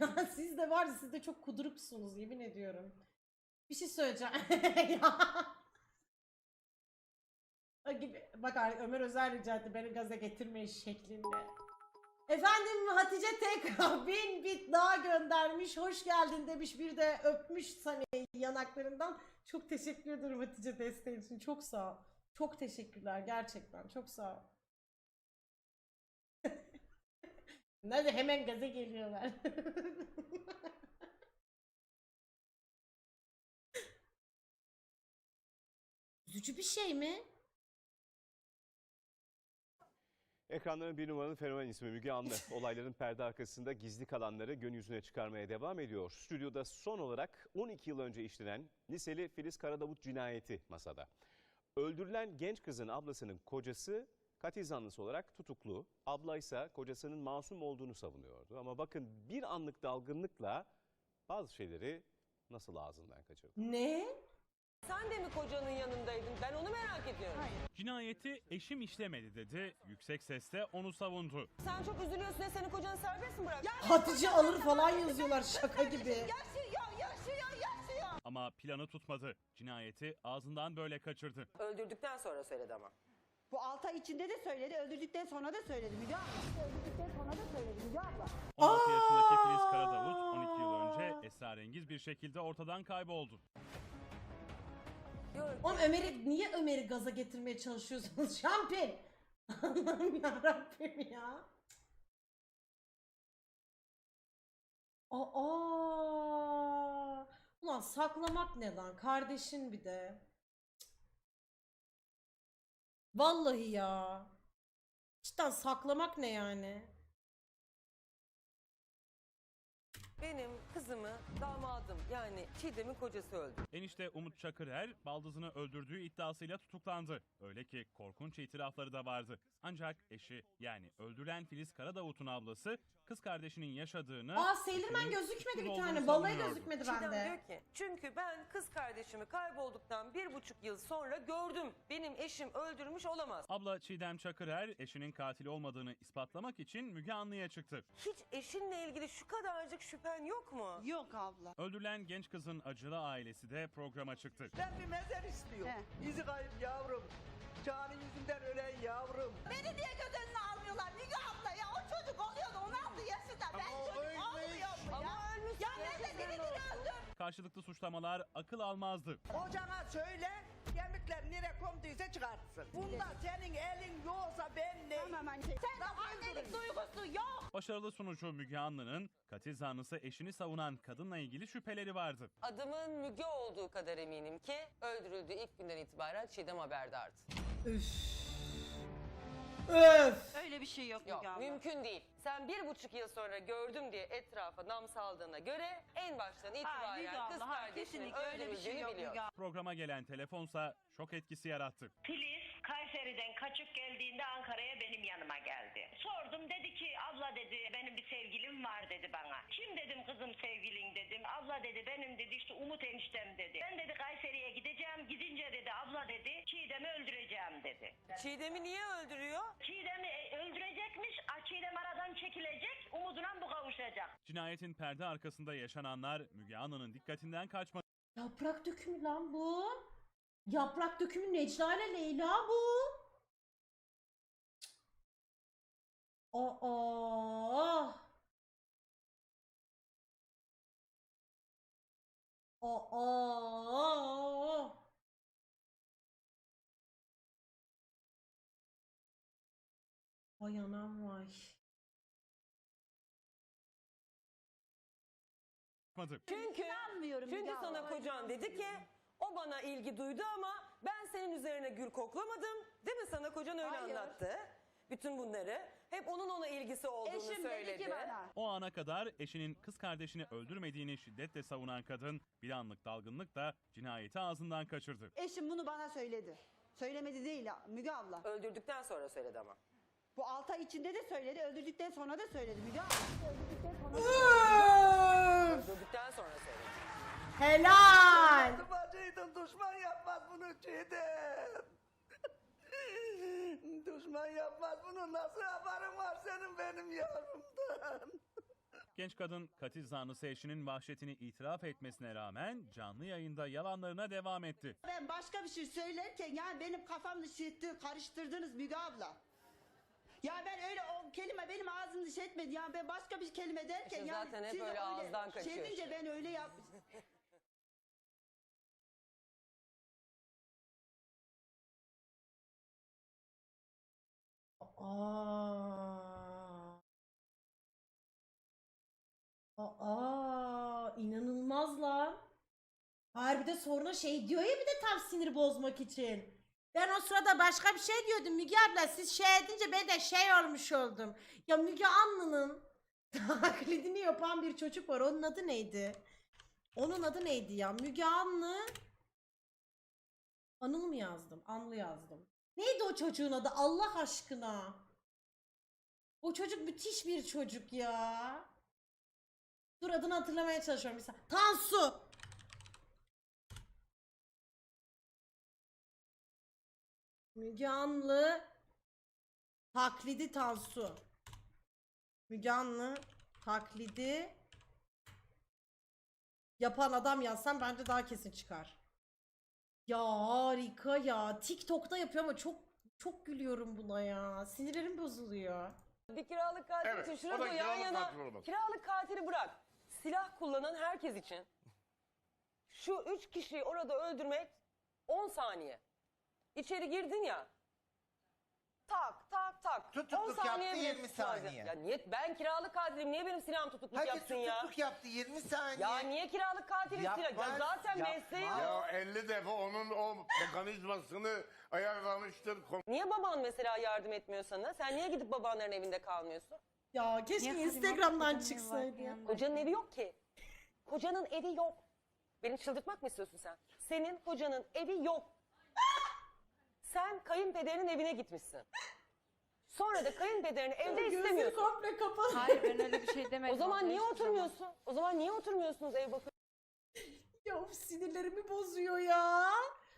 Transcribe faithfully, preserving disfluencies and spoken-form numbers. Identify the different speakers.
Speaker 1: Ya siz de var ya, siz de çok kuduruksunuz yemin ediyorum. Bir şey söyleyeceğim. Ya. Gibi. Bak Ömer Özel rica etti beni gaza getirmeyin şeklinde. Efendim Hatice tekrar bin bit daha göndermiş. Hoş geldin demiş. Bir de öpmüş Sane'yi yanaklarından. Çok teşekkür ederim Hatice desteğin için. Çok sağ ol. Çok teşekkürler gerçekten. Çok sağ ol. Nerede hemen gaza geliyorlar. Üzücü bir şey mi?
Speaker 2: Ekranların bir numaralı fenomen ismi Müge Anlı. Olayların perde arkasında gizli kalanları gün yüzüne çıkarmaya devam ediyor. Stüdyoda son olarak on iki yıl önce işlenen liseli Filiz Karadavut cinayeti masada. Öldürülen genç kızın ablasının kocası katil zanlısı olarak tutuklu. Abla ise kocasının masum olduğunu savunuyordu. Ama bakın bir anlık dalgınlıkla bazı şeyleri nasıl ağzından kaçırdı.
Speaker 1: Ne?
Speaker 3: Sen de mi kocanın yanındaydın? Ben onu merak ediyorum.
Speaker 4: Cinayeti eşim işlemedi dedi, yüksek sesle onu savundu.
Speaker 3: Sen çok üzülüyorsun ya, senin kocanı serbest mi bırak?
Speaker 1: Hatice alır falan yazıyorlar şaka gibi.
Speaker 3: Yaşıyor, yaşıyor, yaşıyor.
Speaker 4: Ama planı tutmadı. Cinayeti ağzından böyle kaçırdı.
Speaker 3: Öldürdükten sonra söyledi ama.
Speaker 5: Bu altı ay içinde de söyledi, öldürdükten sonra da söyledi Müge abla. Öldürdükten sonra da söyledi Müge abla.
Speaker 4: on altı yaşındaki Filiz Karadavut on iki yıl önce esrarengiz bir şekilde ortadan kayboldu.
Speaker 1: Oğlum Ömer'i niye Ömer'i gaza getirmeye çalışıyorsunuz? Şampiyon. Allah'ım yarabbim ya. Aa. Ulan saklamak ne lan? Kardeşin bir de. Vallahi ya. Cidden saklamak ne yani?
Speaker 3: Benim kızımı damadım yani Çiğdem'in kocası öldü.
Speaker 4: Enişte Umut Çakırer baldızını öldürdüğü iddiasıyla tutuklandı. Öyle ki korkunç itirafları da vardı. Ancak eşi yani öldürülen Filiz Karadavut'un ablası kız kardeşinin yaşadığını...
Speaker 1: Aa Sailorman
Speaker 4: eşinin
Speaker 1: gözükmedi bir
Speaker 4: suçsuz
Speaker 1: tane.
Speaker 4: olduğunu
Speaker 1: Balayı
Speaker 4: savunuyordu.
Speaker 1: gözükmedi
Speaker 3: Çiğdem
Speaker 1: bende.
Speaker 3: diyor ki çünkü ben kız kardeşimi kaybolduktan bir buçuk yıl sonra gördüm. Benim eşim öldürmüş olamaz.
Speaker 4: Abla Çiğdem Çakırer eşinin katil olmadığını ispatlamak için Müge Anlı'ya çıktı.
Speaker 3: Hiç eşinle ilgili şu kadarcık şüphen yok mu?
Speaker 5: Yok abla.
Speaker 4: Öldürülen genç kızın acılı ailesi de programa çıktı.
Speaker 6: Ben bir mezar istiyorum.
Speaker 5: He.
Speaker 6: İzi kayıp yavrum. Canı yüzünden ölen yavrum.
Speaker 5: Beni niye göz önüne almıyorlar Müge abla ya? O çocuk oluyordu on altı yaşında. Ben
Speaker 6: Ama o
Speaker 5: çocuk
Speaker 6: ölmüş.
Speaker 5: olmuyorum ya.
Speaker 3: Ama ölmüş.
Speaker 5: Ya nerede birini öldür.
Speaker 4: Karşılıklı suçlamalar akıl almazdı.
Speaker 6: Ocağına söyle, kemikler nereye konduysa çıkartsın. Bunda senin elin yoksa ben ne?
Speaker 5: Tamam anne. Sen de annelik duygusu yok.
Speaker 4: Başarılı sunucu Müge Anlı'nın katil zanlısı eşini savunan kadınla ilgili şüpheleri vardı.
Speaker 3: Adımın Müge olduğu kadar eminim ki öldürüldüğü ilk günden itibaren Çiğdem haberdardı.
Speaker 1: Üf. Öf.
Speaker 5: Öyle bir şey yok,
Speaker 3: Yok
Speaker 5: Müge abla.
Speaker 3: mümkün değil. Sen bir buçuk yıl sonra gördüm diye etrafa nam saldığına göre en baştan
Speaker 5: Hayır
Speaker 3: itibaren
Speaker 5: Müge
Speaker 3: kız
Speaker 5: abla, hayır,
Speaker 3: kardeşinin
Speaker 5: kesinlikle öyle bir şey
Speaker 3: öldürüldüğünü
Speaker 5: yok
Speaker 3: biliyor.
Speaker 5: Müge abla.
Speaker 4: Programa gelen telefonsa şok etkisi yarattı.
Speaker 7: Filiz Kayseri'den kaçıp geldiğinde Ankara'ya benim yanıma geldi. Sordum, dedi ki abla dedi benim bir sevgilim var dedi bana. Kim dedim kızım sevgilin dedim. Abla dedi benim dedi işte Umut eniştem dedi. Ben dedi Kayseri'ye gideceğim, gidince dedi abla dedi Çiğdem'i öldüreceğim dedi.
Speaker 3: Çiğdem'i niye öldürüyor?
Speaker 7: Çiğdem'i e, öldürecekmiş, a, Çiğdem aradan çekilecek, Umut'una bu kavuşacak.
Speaker 4: Cinayetin perde arkasında yaşananlar Müge Anlı'nın dikkatinden kaçmadı.
Speaker 1: Yaprak dökümü lan bu. Yaprak dökümü Necla ile Leyla bu. Aa. Aa. Vay anam vay.
Speaker 3: Çünkü,
Speaker 5: İnanmıyorum
Speaker 3: çünkü
Speaker 5: Müge
Speaker 3: sana
Speaker 5: abla.
Speaker 3: kocan dedi ki o bana ilgi duydu ama ben senin üzerine gül koklamadım. Değil mi, sana kocan öyle
Speaker 5: Hayır.
Speaker 3: anlattı. Bütün bunları hep onun ona ilgisi olduğunu
Speaker 5: Eşim
Speaker 3: söyledi.
Speaker 5: dedi ki bana.
Speaker 4: O ana kadar eşinin kız kardeşini öldürmediğini şiddetle savunan kadın bir anlık dalgınlıkla cinayeti ağzından kaçırdı.
Speaker 5: Eşim bunu bana söyledi. Söylemedi değil Müge abla.
Speaker 3: Öldürdükten sonra söyledi ama.
Speaker 5: Bu altı ay içinde de söyledi, öldürdükten sonra da söyledi Müge abla. Öldürdükten sonra da
Speaker 1: Öf.
Speaker 3: Öldürdükten sonra söyledi.
Speaker 1: Helal.
Speaker 6: Bacıydın, düşman yapmaz bunu Çiğdem. Düşman yapmaz bunu. Nasıl haberin var senin benim yavrumdan?
Speaker 4: Genç kadın katil zanlısı eşinin vahşetini itiraf etmesine rağmen canlı yayında yalanlarına devam etti.
Speaker 5: Ben başka bir şey söylerken yani benim kafamı şiddeti karıştırdınız Müge abla. Ya ben öyle o kelime benim ağzımı dış etmedi. Yani ben başka bir kelime derken
Speaker 3: İşte
Speaker 5: yani
Speaker 3: zaten hep
Speaker 5: siz
Speaker 3: öyle ağızdan kaçıyor
Speaker 5: Şey deyince
Speaker 3: işte.
Speaker 5: ben öyle yap.
Speaker 1: Aa. Aa, inanılmaz lan. Harbide sonra şey diyor ya bir de tam sinir bozmak için. Ben o sırada başka bir şey diyordum Müge abla, siz şey edince ben de şey olmuş oldum. Ya Müge Anlı'nın taklidini yapan bir çocuk var, onun adı neydi? Onun adı neydi ya? Müge Anlı. Anıl mı yazdım? Anlı yazdım. Neydi o çocuğun adı Allah aşkına? O çocuk müthiş bir çocuk ya. Dur adını hatırlamaya çalışıyorum bir saniye. Tansu. Müge Anlı taklidi Tansu. Müge Anlı taklidi yapan adam yazsam bence daha kesin çıkar. Ya harika ya. TikTok'ta yapıyor ama çok çok gülüyorum buna ya. Sinirlerim bozuluyor.
Speaker 3: Bir kiralık katil
Speaker 8: Evet,
Speaker 3: için
Speaker 8: o
Speaker 3: şurada
Speaker 8: da
Speaker 3: yan
Speaker 8: kiralık
Speaker 3: yana
Speaker 8: katil olmaz.
Speaker 3: kiralık katili bırak. Silah kullanan herkes için şu üç kişiyi orada öldürmek on saniye. İçeri girdin ya. Tak tak tak.
Speaker 9: Tutukluk
Speaker 3: on saniye
Speaker 9: yaptı,
Speaker 3: bile
Speaker 9: yirmi
Speaker 3: tutmaz ya.
Speaker 9: saniye.
Speaker 3: Ya niye ben kiralık katilim, niye benim silahım tutukluk
Speaker 9: Herkes
Speaker 3: yapsın ya?
Speaker 9: tutukluk yaptı yirmi saniye.
Speaker 3: Ya niye kiralık katili
Speaker 9: Yapmaz,
Speaker 3: silah? Ya zaten
Speaker 9: yapmaz.
Speaker 3: mesleği
Speaker 8: Ya
Speaker 3: o.
Speaker 8: elli defa onun o mekanizmasını ayarlamıştır.
Speaker 3: Niye baban mesela yardım etmiyor sana? Sen niye gidip babanların evinde kalmıyorsun?
Speaker 1: Ya keşke Instagram'dan çıksaydı ya.
Speaker 3: Kocanın evi yok ki. Kocanın evi yok. Beni çıldırtmak mı istiyorsun sen? Senin kocanın evi yok. Sen kayınpederinin evine gitmişsin. Sonra da kayınpederini evde
Speaker 1: Gözleri
Speaker 3: istemiyorsun.
Speaker 1: komple kapalı.
Speaker 10: Hayır ben öyle bir şey demedim.
Speaker 3: O zaman
Speaker 10: abla,
Speaker 3: niye
Speaker 10: hiçbir zaman.
Speaker 3: oturmuyorsun? O zaman niye oturmuyorsunuz ev bakın?
Speaker 1: Ya of, sinirlerimi bozuyor ya.